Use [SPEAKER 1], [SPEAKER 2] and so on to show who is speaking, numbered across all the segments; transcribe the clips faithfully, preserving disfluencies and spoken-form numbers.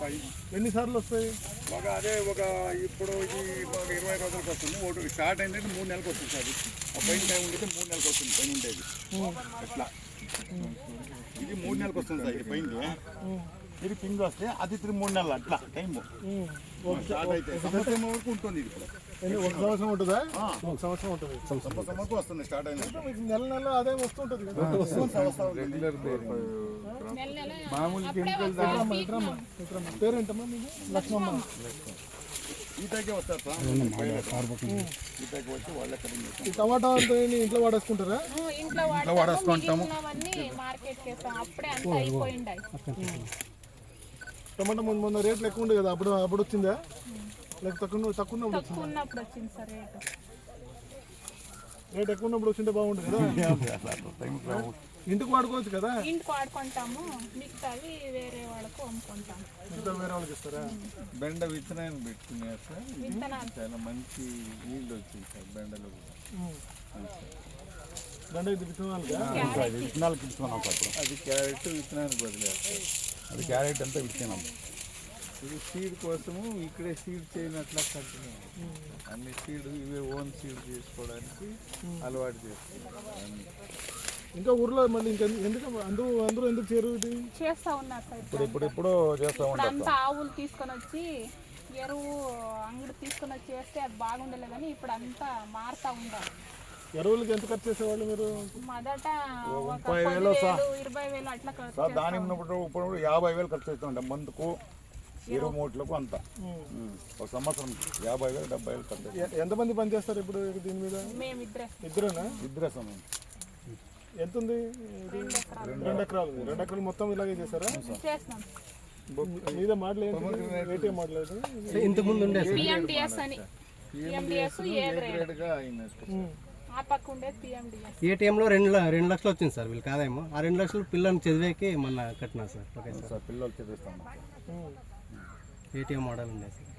[SPEAKER 1] ఎన్నిసార్లు వస్తాయి?
[SPEAKER 2] ఒక అదే ఒక ఇప్పుడు ఇది ఒక ఇరవై రోజులకు వస్తుంది. ఒకటి స్టార్ట్ అయిందంటే మూడు నెలలకు వస్తుంది సార్. ఆ పైన టైం ఉండేది మూడు నెలలకు వస్తుంది. పైన ఉండేది అట్లా ఇది మూడు నెలలకు వస్తుంది సార్. ఇది పైన ఇది పిండి వస్తే అది తిరిగి మూడు నెలలు అట్లా టైం స్టార్ట్ అయితే సంవత్సరం వరకు ఉంటుంది. ఇది ఇప్పుడు
[SPEAKER 1] ఒక సంవత్సరం ఉంటుందా? ఒక సంవత్సరం ఉంటుంది.
[SPEAKER 2] సంవత్సరం వస్తుంది స్టార్ట్ అయినా
[SPEAKER 1] నెల నెల అదే వస్తుంటుంది కదా.
[SPEAKER 2] రెగ్యులర్
[SPEAKER 3] మామూలు కెమికల్
[SPEAKER 1] పేరేంటమ్మా మీకు? లక్ష్మమ్మ.
[SPEAKER 2] ఈతకే వస్తారు సార్. ఈతకి వచ్చి వాళ్ళే కటింగ్.
[SPEAKER 1] ఈ టమాటా అంతా ఇంట్లో వాడేసుకుంటారా?
[SPEAKER 3] ఇంట్లో వాడేసుకుంటాము.
[SPEAKER 1] టమాటా ముందు మొన్న రేట్లు ఎక్కువ ఉండే కదా, అప్పుడు అప్పుడు వచ్చిందా? లేక తక్కువ తక్కువ
[SPEAKER 3] ఉన్నప్పుడు వచ్చింది సార్. రేటు
[SPEAKER 1] రేట్ ఎక్కువ ఉన్నప్పుడు వచ్చింటే బాగుంటుంది కదా. ఇంటికి వాడుకోవచ్చు కదా.
[SPEAKER 3] ఇంటికి వాడుకుంటాము, మిగతావి వేరే వాళ్ళకు అమ్ముకుంటాము.
[SPEAKER 1] మిగతా వేరే వాళ్ళకి ఇస్తారా?
[SPEAKER 4] బెండ విత్తనాన్ని పెట్టుకున్నారు సార్. చాలా మంచి నీళ్ళు వచ్చింది సార్ బెండలో కూడా.
[SPEAKER 1] బెండ ఇది విత్తనాలు
[SPEAKER 2] విత్తనాలకు ఇస్తున్నాం సార్.
[SPEAKER 4] అది క్యారెట్ విత్తనానికి వదిలేస్తారు.
[SPEAKER 2] అది క్యారెట్ అంతా విత్తనాం.
[SPEAKER 4] ఇది సీడ్ కోసము ఇక్కడే సీడ్ చేయనట్లా కంటిన్యూ అన్ని సీడ్ ఇవే ఓన్ సీడ్ చేసుకోవడానికి అలవాటు చేస్తున్నారు.
[SPEAKER 1] ఇంకా ఊర్లో మళ్ళీ ఇంకా ఎందుకు అందరూ అందరూ ఎందుకు చేరు ఇది
[SPEAKER 3] చేస్తా ఉన్నారు సార్.
[SPEAKER 2] ఇప్పుడు ఇప్పుడు ఇప్పుడు చేస్తా
[SPEAKER 3] ఉంటారు. అంతా ఆవులు తీసుకొని వచ్చి ఎరువు అంగడి తీసుకొని వచ్చి వేస్తే అది బాగుండలే కానీ ఇప్పుడు అంతా మారుతా ఉండాలి.
[SPEAKER 1] ఎరువులకి ఎంత ఖర్చు చేసేవాళ్ళు మీరు?
[SPEAKER 3] మొదట
[SPEAKER 2] ముప్పై వేలు
[SPEAKER 3] ఇరవై వేలు అట్లా
[SPEAKER 2] సార్. దాని ఉన్నప్పుడు ఇప్పుడు యాభై వేలు ఖర్చు అవుతుండే మందుకు ఇరవై మూట్లకు అంతా. ఒక సంవత్సరం యాభై వేలు డెబ్బై వేలు ఖర్చు.
[SPEAKER 1] ఎంతమంది పని చేస్తారు ఇప్పుడు దీని మీద? ఇద్దరేనా?
[SPEAKER 2] ఇద్దరే సమయం.
[SPEAKER 1] ఎంత ఉంది? రెండు ఎకరాలు. రెండు ఎకరాలు మొత్తం ఇలాగే చేస్తారా? మీద మోడల్ ఏంటి? మోడల్ అయితే
[SPEAKER 5] ఇంతకు ముందు ఉండే ఏటీఎంలో రెండు రెండు లక్షలు వచ్చింది సార్. వీళ్ళకి ఆదాయము ఆ రెండు లక్షలు పిల్లల్ని చదివేకి మొన్న కట్టినారు సార్. ఓకే సార్,
[SPEAKER 2] పిల్లలు చదివిస్తాం.
[SPEAKER 5] ఏటీఎం మోడల్ ఉండే సార్.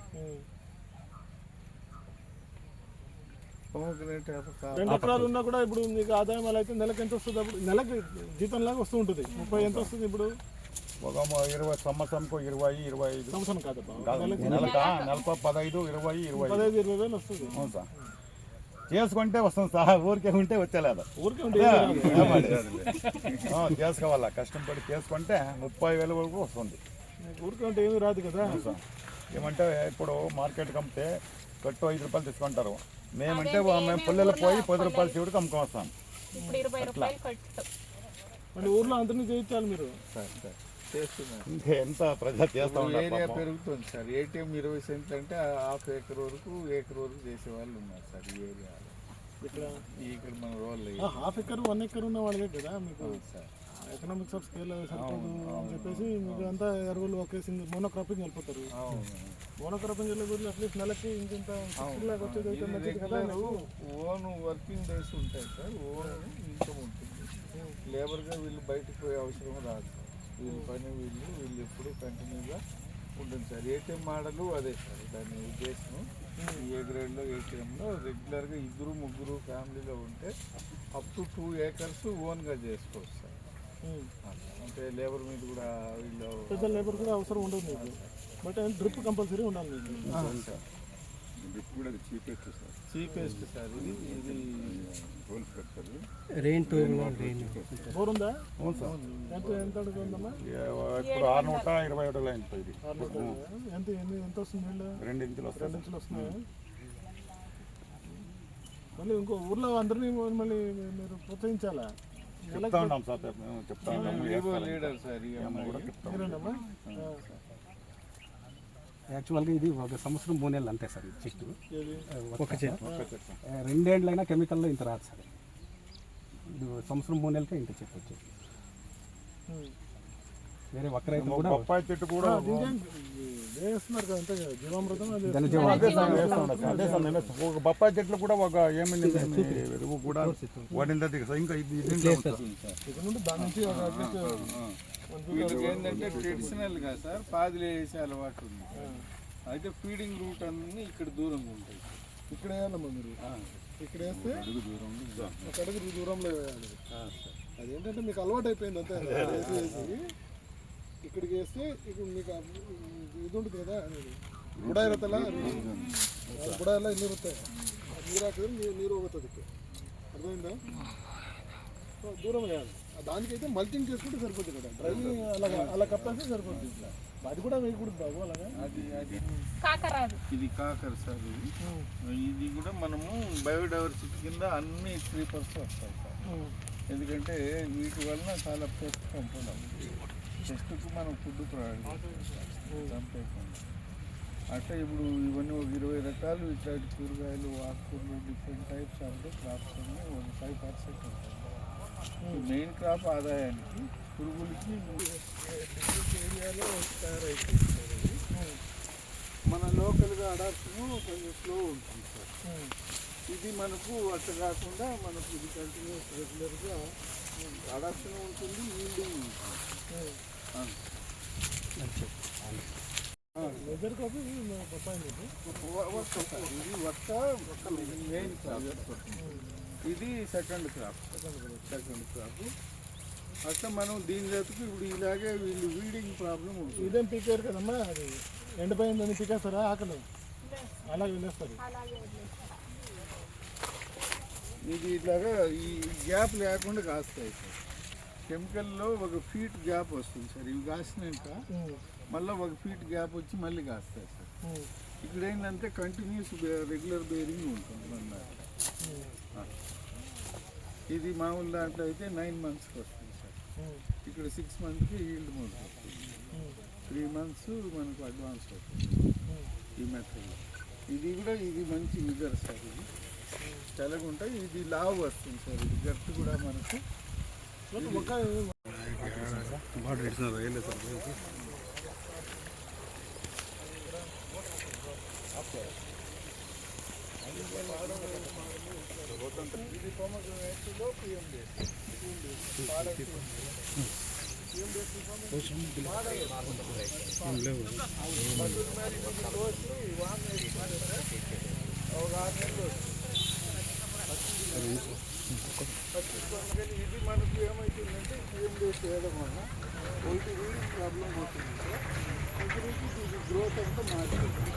[SPEAKER 1] రెండు ఎకరాలు ఉన్నా కూడా ఇప్పుడు మీకు ఆదాయం అలా అయితే నెలకు ఎంత వస్తుంది? అప్పుడు నెలకి జీతం లాగా వస్తూ ఉంటుంది. ముప్పై ఎంత వస్తుంది ఇప్పుడు?
[SPEAKER 2] ఒక ఇరవై సంవత్సరంకు ఇరవై ఇరవై ఐదు
[SPEAKER 1] సంవత్సరం కాదు
[SPEAKER 2] నెలక నెలకు పదహైదు ఇరవై ఇరవై
[SPEAKER 1] పదహైదు ఇరవై వేలు వస్తుంది.
[SPEAKER 2] అవును సార్. చేసుకుంటే వస్తుంది సార్. ఊరికే ఉంటే వచ్చేలేదు.
[SPEAKER 1] ఊరికే ఉంటే
[SPEAKER 2] చేసుకోవాలా, కష్టపడి చేసుకుంటే ముప్పై వేల వరకు వస్తుంది.
[SPEAKER 1] ఊరికే ఉంటే ఏమీ రాదు కదా
[SPEAKER 2] సార్. ఏమంటే ఇప్పుడు మార్కెట్కి అమ్మితే కట్టు ఐదు రూపాయలు తీసుకుంటారు. మేమంటే మేము పుల్లలు పోయి పది రూపాయలు చివరికి అమ్ముకొని వస్తాం.
[SPEAKER 1] మళ్ళీ ఊర్లో అందరినీ చేయించాలి మీరు
[SPEAKER 4] సార్. సార్ చేస్తున్నారు.
[SPEAKER 2] ఇంకా ఎంత ప్రజలు చేస్తా ఉన్నారు.
[SPEAKER 4] ఏరియా పెరుగుతుంది సార్. ఏటీఎం ఇరవై సెంట్లు అంటే హాఫ్ ఏకర్ వరకు ఏకర్ వరకు చేసే వాళ్ళు ఉన్నారు సార్ ఈ ఏరియాలో. ఇక్కడ ఇక్కడ మన రోల్
[SPEAKER 1] హాఫ్ ఎకర్ వన్ ఎకర్ ఉన్న వాళ్ళే కదా మీకు సార్. ఎకనామిక్స్ ఆఫ్ స్కేల్ సరిపోదు అని చెప్పేసి మీకు అంతా ఎరువులు ఒకేసి మోనో క్రాపింగ్ వెళ్ళిపోతారు. మోనో క్రాపింగ్ వెళ్ళే బదులు అట్లీస్ట్ నెలకి ఇంత వచ్చేది అయితే మంచిది కదా.
[SPEAKER 4] ఓన్ వర్కింగ్ డేస్ ఉంటాయి సార్. ఓన్ ఇన్కమ్ ఉంటుంది. లేబర్గా వీళ్ళు బయటకు పోయే అవసరం రాదు సార్. వీళ్ళ పని వీళ్ళు వీళ్ళు ఎప్పుడు కంటిన్యూగా ఉంటుంది సార్. ఏటీఎం మోడల్ అదే సార్. దాని ఉద్దేశం ఏ గ్రేడ్లో ఏటీఎంలో రెగ్యులర్గా ఇద్దరు ముగ్గురు ఫ్యామిలీలో ఉంటే అప్ టు టూ ఏకర్స్ ఓన్గా చేసుకోవచ్చు సార్. అంటే లేబర్ మీద కూడా వీళ్ళు
[SPEAKER 1] పెద్ద లేబర్ కూడా అవసరం ఉండదు మీకు. బట్ డ్రిప్ కంపల్సరీ ఉండాలి మీకు.
[SPEAKER 2] డ్రిప్ కూడా చీపెస్ట్ సార్.
[SPEAKER 4] Cheapest sir. ఇది ఇది
[SPEAKER 5] రెయిన్
[SPEAKER 1] బోర్ ఉందా?
[SPEAKER 2] అవును సార్.
[SPEAKER 1] ఎంత ఎంత అడుగుతుందమ్మా?
[SPEAKER 2] ఇప్పుడు ఆరు నూట ఇరవై ఏడు లైన్ ఇది.
[SPEAKER 1] ఎంత ఎంత వస్తుంది నీళ్ళు?
[SPEAKER 2] రెండు ఇంచులు వస్తాయి.
[SPEAKER 1] రెండు ఇంచులు వస్తున్నాయి. మళ్ళీ ఇంకో ఊర్లో అందరినీ మళ్ళీ మీరు ప్రోత్సహించాలా?
[SPEAKER 2] చెప్తా ఉన్నాం సార్. చెప్తా ఉన్నాము.
[SPEAKER 4] Leader sir.
[SPEAKER 1] మీరేనమ్మా?
[SPEAKER 5] యాక్చువల్గా ఇది ఒక సంవత్సరం మూడు నెలలు అంతే సార్. ఈ చెట్టు ఒక చెట్టు రెండేళ్ళైనా కెమికల్లో ఇంత రాదు సార్. ఇది సంవత్సరం మూడు నెలలకే ఇంత చెట్టు వచ్చేది. వేరే ఒక్క రైతు కూడా
[SPEAKER 2] బొప్పాయి చెట్టు కూడా
[SPEAKER 1] వేస్తున్నారు కదా. అంతే కదా జీవామృతం.
[SPEAKER 2] అదే సార్. నేను ఒక బొప్పాయి చెట్లు కూడా ఒక ఏమైంది ఎరువు కూడా వాడింది ఇంకా ఇది
[SPEAKER 1] ఇక్కడ నుండి దాని నుంచి
[SPEAKER 4] వీళ్ళకి ఏంటంటే ట్రెడిషనల్గా సార్ పాదులు వేసే అలవాటు ఉంది. అయితే ఫీడింగ్ రూట్ అన్నీ ఇక్కడ దూరంగా ఉంటాయి.
[SPEAKER 1] ఇక్కడ వేయాలమ్మా మీరు. ఇక్కడ వేస్తే ఒక అడుగు దూరంలో వేయాలి. అదేంటంటే మీకు అలవాటు అయిపోయింది అంతే. వేసి వేసి ఇక్కడికి వేస్తే ఇప్పుడు మీకు ఆ ఇది ఉంటుంది కదా బుడాయి రతల బుడాయిలో నీరు వస్తాయి నీరు ಹಾಕಿದ್ರೆ నీరు నీరు ಹೋಗುತ್ತೆ ಅದಕ್ಕೆ అర్థమైందా సో దూరం వేయాలి దానికైతే మల్చింగ్ చేసుకుంటే సరిపోతుంది కదా డ్రై అలా అలా కప్పేస్తే సరిపోతుంది అది కూడా వేయకూడదు బాబు అలాగా
[SPEAKER 4] అది అది
[SPEAKER 3] కాకరాదు
[SPEAKER 4] ఇది కాకర సార్ ఇది ఇది కూడా మనము బయోడైవర్సిటీ కింద అన్ని క్రీపర్స్ వస్తాయి సార్ ఎందుకంటే వీటి వలన చాలా పెస్ట్ కంపడం పెస్ట్కు మనం ఫుడ్ ప్రొవైడ్ చంపేయకుండా అంటే ఇప్పుడు ఇవన్నీ ఒక ఇరవై రకాలు ఇట్లాంటి కూరగాయలు ఆకుకూరలు డిఫరెంట్ టైప్స్ ఆఫ్ క్రాప్స్ అన్నీ ఒక ఫైవ్ పర్సెంట్ ఉంటాయి మెయిన్ క్రాప్ ఆదాయానికి పురుగులకి ఏరియాలో తయారైపోతుంది మన లోకల్గా అడాప్షన్ కొంచెం స్లో ఉంటుంది సార్ ఇది మనకు అట్లా కాకుండా మనకు ఇది కంటిన్యూస్ రెగ్యులర్గా అడాప్షన్ ఉంటుంది ఈల్డింగ్ ఉంటుంది
[SPEAKER 1] వెదర్ కాఫీ బొప్పాయి
[SPEAKER 4] ఇది వర్ష మెయిన్ క్రాప్ ఇది సెకండ్ క్రాప్ సెకండ్ క్రాప్ అట్లా మనం దీని జతకు ఇప్పుడు ఇలాగే వీళ్ళు వీడింగ్ ప్రాబ్లం ఉంటుంది
[SPEAKER 1] ఇదేం పీకారు కదమ్మా అది ఎండిపోయిందని పీకేస్తారా ఆకలి అలాగే వెళ్ళేస్తారు
[SPEAKER 4] ఇది ఇట్లాగా ఈ గ్యాప్ లేకుండా కాస్తాయి సార్ కెమికల్లో ఒక ఫీట్ గ్యాప్ వస్తుంది సార్ ఇవి కాసినాక మళ్ళీ ఒక ఫీట్ గ్యాప్ వచ్చి మళ్ళీ కాస్తాయి సార్ ఇక్కడ ఏంటంటే కంటిన్యూస్ రెగ్యులర్ బేరింగ్ ఉంటుంది మన ఇది మామూలు దాంట్లో అయితే నైన్ మంత్స్కి వస్తుంది సార్ ఇక్కడ సిక్స్ మంత్స్కి ఈల్డ్ మోడ్ వస్తుంది త్రీ మంత్స్ మనకు అడ్వాన్స్ అవుతుంది ఈ మెథడ్ ఇది కూడా ఇది మంచి విగర్ సార్ ఇది చల్లగా ఉంటాయి ఇది లావు వస్తుంది సార్ ఇది గట్టు కూడా మనకు ఇది పొమగ్రనేట్లో పిఎండిఎస్ ఇది మనకు ఏమవుతుందంటే పిఎండిఎస్ వేయడం వల్ల ఒకటి రీడింగ్ ప్రాబ్లం పోతుంది సార్ ఇది ఇది గ్రోత్ అంతా మారుతుంది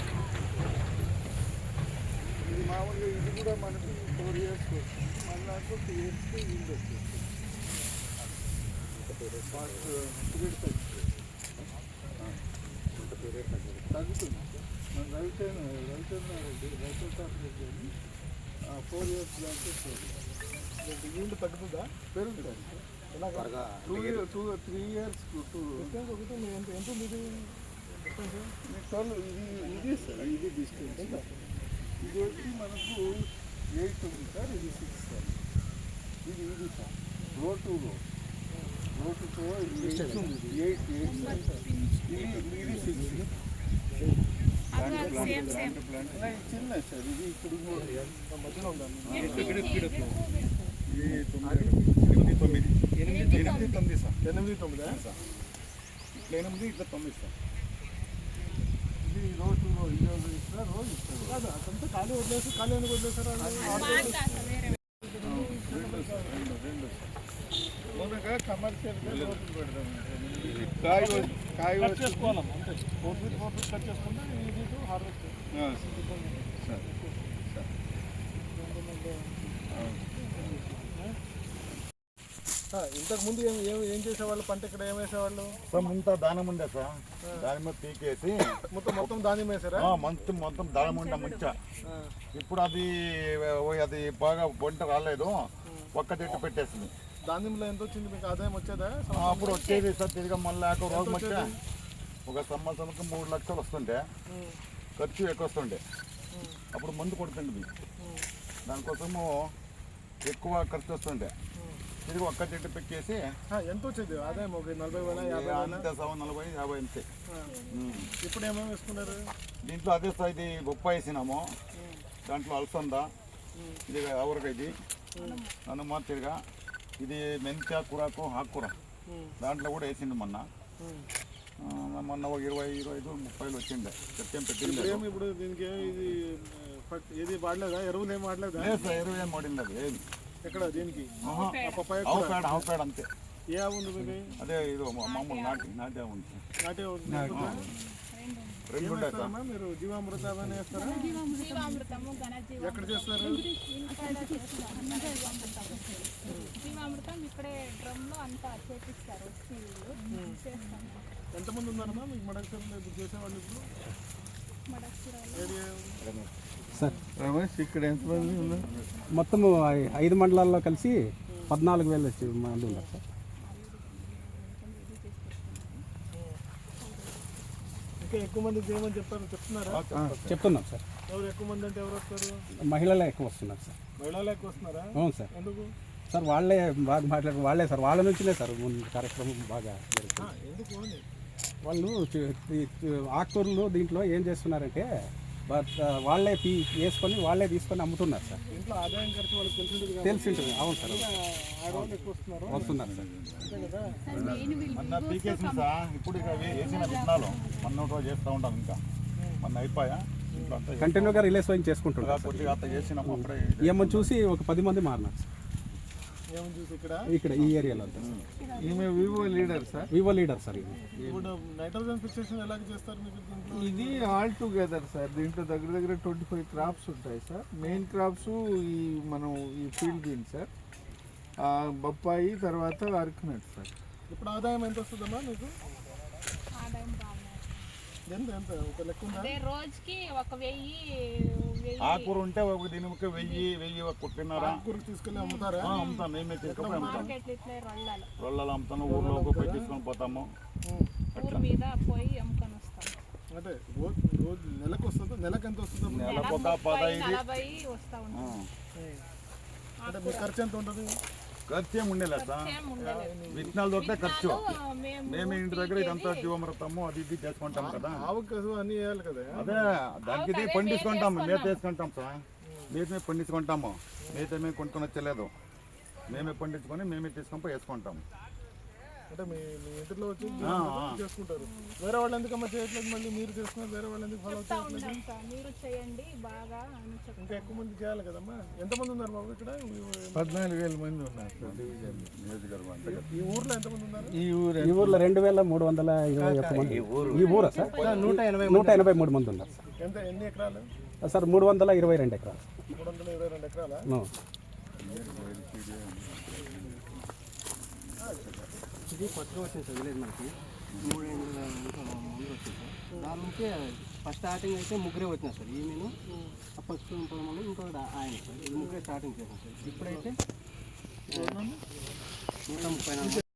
[SPEAKER 4] ఇది మామూలుగా ఇది కూడా మనకి ఫోర్ ఇయర్స్కి వస్తుంది మన దాంట్లో టూ ఇయర్స్కి ఈల్డ్ వచ్చేస్తుంది తగ్గుతుంది మన రైతైన రైతైన రైతు కానీ ఫోర్ ఇయర్స్ దాకా
[SPEAKER 1] ఈల్డ్ తగ్గుతుందా
[SPEAKER 4] పెరుగుతుంది
[SPEAKER 1] ఎలాగా
[SPEAKER 4] two year two three years two
[SPEAKER 1] ఒకటి ఎంత ఎంత ఉంది ఇది
[SPEAKER 4] ట్వెల్వ్ ఇది ఇది సార్ ఇది డిస్టెన్స్ ఇది వచ్చి మనకు ఎయిట్ ఉంది సార్ ఇది సిక్స్ సార్ ఇది ఇది సార్ రో టు రో రో టు రో ఇది ఎయిట్ ఉంది ఎయిట్ ఎయిట్ సార్ ఇది ఇది సిక్స్ చిన్న సార్ ఇది ఇప్పుడు
[SPEAKER 1] మధ్యలో ఉందా
[SPEAKER 2] ఎనిమిది తొమ్మిది ఎనిమిది తొమ్మిది సార్
[SPEAKER 1] ఎనిమిది తొమ్మిదా
[SPEAKER 2] ఇట్లా ఎనిమిది ఇట్లా తొమ్మిది సార్
[SPEAKER 4] ఇది రో టు రో ఈ రోజు ఇస్తారు రోజు ఇస్తారు
[SPEAKER 1] కాదు అదంతా ఖాళీ వదిలేసి ఖాళీ ఎందుకు వదిలేసారు
[SPEAKER 4] రెండు రెండు మొన్నగా కమర్షియల్గా రోజులు పెడదాం
[SPEAKER 2] కాయ కాయ
[SPEAKER 1] కట్ చేసుకోవాలమ్మా అంతే four feet four feet cut చేసుకుంటే ఈజీ టు హార్వెస్ట్
[SPEAKER 2] సార్
[SPEAKER 1] ఇంతకు ముందు ఏం ఏం ఏం చేసేవాళ్ళు పంట ఇక్కడ ఏం వేసేవాళ్ళు
[SPEAKER 2] సార్ ముంత దానం ఉండే సార్ దాని మీద పీకేసి
[SPEAKER 1] మొత్తం మొత్తం ధాన్యం వేసారా
[SPEAKER 2] మొత్తం మొత్తం దానం ఉండే ముంచ ఇప్పుడు అది ఓ అది బాగా వంట రాలేదు ఒక్క చెట్టు పెట్టేసింది
[SPEAKER 1] ధాన్యంలో ఎంత వచ్చింది మీకు ఆదాయం వచ్చేదా
[SPEAKER 2] అప్పుడు వచ్చేది సార్ తిరిగి మళ్ళీ ఒక రోజు వచ్చా ఒక సంవత్సరంకి మూడు లక్షలు వస్తుండే ఖర్చు ఎక్కువ వస్తుండే అప్పుడు మందు కొడుతుండే దానికోసము ఎక్కువ ఖర్చు వస్తుండే తిరిగి ఒక్క చెట్టు పెట్టేసి
[SPEAKER 1] ఎంత వచ్చేది ఆదాయం ఒక నలభై వేల యాభై
[SPEAKER 2] అంతే సవ నలభై యాభై అంతే
[SPEAKER 1] ఇప్పుడు ఏమేమి వేసుకున్నారు
[SPEAKER 2] దీంట్లో అదే సార్ ఇది బొప్పాయి వేసినాము దాంట్లో అలసంద ఇది ఆవరకాయ ఇది హనుమ తిరిగా ఇది మెంత్య కూరకు ఆకుకూర దాంట్లో కూడా వేసింది మొన్న మొన్న ఒక ఇరవై ఇరవై ఐదు ముప్పైలు వచ్చిండే చెట్టేం పెట్టింది
[SPEAKER 1] ఏమి ఇప్పుడు దీనికి ఏమి ఇది ఏది వాడలేదా ఎరువులు ఏమి వాడలేదా
[SPEAKER 2] లేదు సార్ ఎరువు ఏం వాడింది అది ఏది
[SPEAKER 1] ఎక్కడ దీనికి
[SPEAKER 2] ఆవు పేడ ఆవు పేడ అంతే
[SPEAKER 1] ఏ ఆవు ఉంది మీకు?
[SPEAKER 2] అదే ఇది మా- మామూలు నాటి నాటే ఉంది సార్.
[SPEAKER 1] నాటే ఉంది.
[SPEAKER 2] రెండు ఉంటాయి సార్.
[SPEAKER 1] ఏమేస్తారమ్మా మీరు? జీవామృత అవన్నీ వేస్తారా?
[SPEAKER 3] జీవామృతము ఘనజీవ
[SPEAKER 1] ఎక్కడ చేస్తారు?
[SPEAKER 3] జీవామృతం ఇక్కడే డ్రమ్ లో అంతా చేపిస్తారు వచ్చి వీళ్ళు చేస్తాం.
[SPEAKER 1] ఎంతమంది ఉన్నారమ్మా మీకు మడకసిరలో ఇప్పుడు చేసేవాళ్ళు? ఇప్పుడు
[SPEAKER 3] మడక్సిరాలో
[SPEAKER 1] ఏరియా
[SPEAKER 5] సార్
[SPEAKER 4] రమేష్ ఇక్కడ ఎంతమంది ఉన్నారు?
[SPEAKER 5] మొత్తం ఐ- ఐదు మండలాల్లో కలిసి పద్నాలుగు వేల మంది ఉన్నారు సార్.
[SPEAKER 1] ఇంకా ఎక్కువ మంది చేయమని చెప్పారు, చెప్తున్నారా?
[SPEAKER 5] చెప్తున్నాం సార్.
[SPEAKER 1] ఎవరు ఎక్కువ మంది అంటే ఎవరు వస్తారు?
[SPEAKER 5] మహిళలే ఎక్కువ వస్తున్నారు సార్.
[SPEAKER 1] మహిళలు ఎక్కువ వస్తున్నారా?
[SPEAKER 5] అవును సార్.
[SPEAKER 1] ఎందుకు?
[SPEAKER 5] సార్ వాళ్ళే బాగా మాట్లాడు వాళ్ళే సార్ వాళ్ళ నుంచినే సార్ ముందు కార్యక్రమం బాగా జరుగుతుంది.
[SPEAKER 1] ఆ, ఎందుకు అని?
[SPEAKER 5] వాళ్ళు చు- ఈ చు- ఆకుకూరలు దీంట్లో ఏం చేస్తున్నారంటే బట్ వాళ్ళే తీ వేసుకొని వాళ్ళే తీసుకొని అమ్ముతున్నారు సార్.
[SPEAKER 1] ఇంట్లో ఆదాయం ఖర్చు వాళ్ళకి తెలిసింది కదా.
[SPEAKER 5] తెలిసి ఉంటుంది. అవును సార్.
[SPEAKER 1] ఆడవాళ్ళు ఎక్కువ వస్తున్నారు
[SPEAKER 5] వస్తున్నారు సార్.
[SPEAKER 1] అంతే కదా.
[SPEAKER 2] మొన్న పీకేసింది సార్. ఇప్పుడు ఇక వే- వేసిన విత్తనాలు మొన్న ఒకటి చేస్తూ ఉంటాం. ఇంకా మొన్న అయిపోయా ఇప్పుడు అంతా
[SPEAKER 5] కంటిన్యూగా రిలేస్ వైన్ చేసుకుంటున్నారు
[SPEAKER 2] ఇలా కొద్దిగా అంతా చేసినాము. అప్పుడే
[SPEAKER 5] ఏమని చూసి ఒక పది మంది మారినారు సార్
[SPEAKER 1] ఏమని చూసి ఇక్కడ
[SPEAKER 5] ఇక్కడ ఈ ఏరియాలో అంతా సార్.
[SPEAKER 4] ఈమె VO leader sir.
[SPEAKER 5] VO leader sir ఇది.
[SPEAKER 1] ఇప్పుడు నైట్రోజన్ ఫిక్సేషన్ ఎలాగ చేస్తారు మీకు దీంట్లో?
[SPEAKER 4] ఇది ఆల్ టుగెదర్ సార్. దీంట్లో దగ్గర దగ్గర ట్వంటీ ఫైవ్ క్రాప్స్ ఉంటాయి సార్. మెయిన్ క్రాప్స్ ఈ మనం ఈ ఫీల్డ్ బీన్స్ సార్, ఆ, బొప్పాయి, తర్వాత అరకునట్ సార్.
[SPEAKER 1] ఇప్పుడు ఆదాయం ఎంత వస్తుందమ్మా మీకు?
[SPEAKER 3] ఆదాయం బాగుంది.
[SPEAKER 1] ఎంత ఎంత ఒక లెక్క ఉందా?
[SPEAKER 3] అదే రోజుకి ఒక వెయ్యి వెయ్యి
[SPEAKER 2] ఆకూర ఉంటే ఒక దీనికి వెయ్యి వెయ్యి ఒక కుట్టినారా
[SPEAKER 1] కూరకు తీసుకెళ్ళి అమ్ముతారా?
[SPEAKER 2] అమ్ముతాం. మేమే తీసుకొని అమ్ముతాం.
[SPEAKER 3] మార్కెట్లు ఇట్లే రొళ్ళాలు
[SPEAKER 2] రోళ్ళలో అమ్ముతాము. ఊర్లో ఒక పోయి తీసుకొని పోతాము.
[SPEAKER 3] ఊరు మీద పోయి అమ్ముకొని వస్తాం.
[SPEAKER 1] అంటే రోజు రోజు నెలకు వస్తుందా? నెలకు ఎంత వస్తుందమ్మా?
[SPEAKER 2] నెలకు ఒక
[SPEAKER 3] ముప్పై
[SPEAKER 2] పదహైదు
[SPEAKER 3] నలభై వస్తూ ఉంటుంది.
[SPEAKER 1] అంటే మీ ఖర్చు ఎంత ఉంటుంది?
[SPEAKER 2] ఖర్చు ఏమి ఉండేలే సార్.
[SPEAKER 3] ఏం ఉండలేదు.
[SPEAKER 2] విత్తనాలు దొరికితే ఖర్చు.
[SPEAKER 3] మేము
[SPEAKER 2] మేము ఇంటి దగ్గర ఇదంతా జీవమృతము అది ఇది చేసుకుంటాం కదా.
[SPEAKER 1] ఆవుకి కసు అన్నీ వేయాలి కదా.
[SPEAKER 2] అదే దానికి ఇది పండించుకుంటాం. మేత వేసుకుంటాం సార్. మేమే పండించుకుంటాము. మేత మేము కొనుక్కొని వచ్చలేదు. మేమే పండించుకొని మేమే తీసుకొని పోయి వేసుకుంటాము.
[SPEAKER 1] అంటే మీ మీ ఇంటిలో వచ్చి జీవనోపాధి చేసుకుంటారు. వేరే వాళ్ళు ఎందుకమ్మా చేయట్లేదు? మళ్ళీ మీరు చేసుకున్నారు, వేరే వాళ్ళు ఎందుకు ఫాలో
[SPEAKER 3] చెప్తా
[SPEAKER 1] చేయట్లేదు?
[SPEAKER 3] ఉంటాం సార్, మీరు చేయండి బాగా అని చెప్తాం.
[SPEAKER 1] ఇంకా ఎక్కువ మంది చేయాలి కదమ్మా. ఎంతమంది ఉన్నారు బాబు ఇక్కడ? ఈ-
[SPEAKER 4] పద్నాలుగు వేల మంది ఉన్నారు సార్ డివిజన్.
[SPEAKER 2] నియోజకవర్గం అంతే కదా.
[SPEAKER 1] ఈ ఊర్లో ఎంతమంది ఉన్నారు?
[SPEAKER 4] ఈ ఊరు
[SPEAKER 5] ఈ ఊర్లో రెండు వేల మూడు వందల ఇరవై ఒక్క మంది. ఈ ఊరా సార్? నూట ఎనభై నూట ఎనభై మూడు మంది ఉన్నారు సార్.
[SPEAKER 1] ఎంత ఎన్ని ఎకరాలు?
[SPEAKER 5] సార్ మూడు వందల ఇరవై రెండు ఎకరాలు.
[SPEAKER 1] మూడు వందల ఇరవై రెండు ఎకరాలా?
[SPEAKER 5] No.
[SPEAKER 6] ఇది కొత్తగా వచ్చింది సార్ విలేజ్ మనకి మూడు ఏళ్ళ ముందు వచ్చింది సార్. దాని నుంచి ఫస్ట్ స్టార్టింగ్ అయితే ముగ్గురే వచ్చినారు సార్. ఈ నేను ఫస్ట్ ఇంకోటి ఇంకోటి ఆయన సార్. ఈ ముగ్గురే స్టార్టింగ్ చేశాను సార్. ఇప్పుడైతే నూట ముప్పై నాలుగు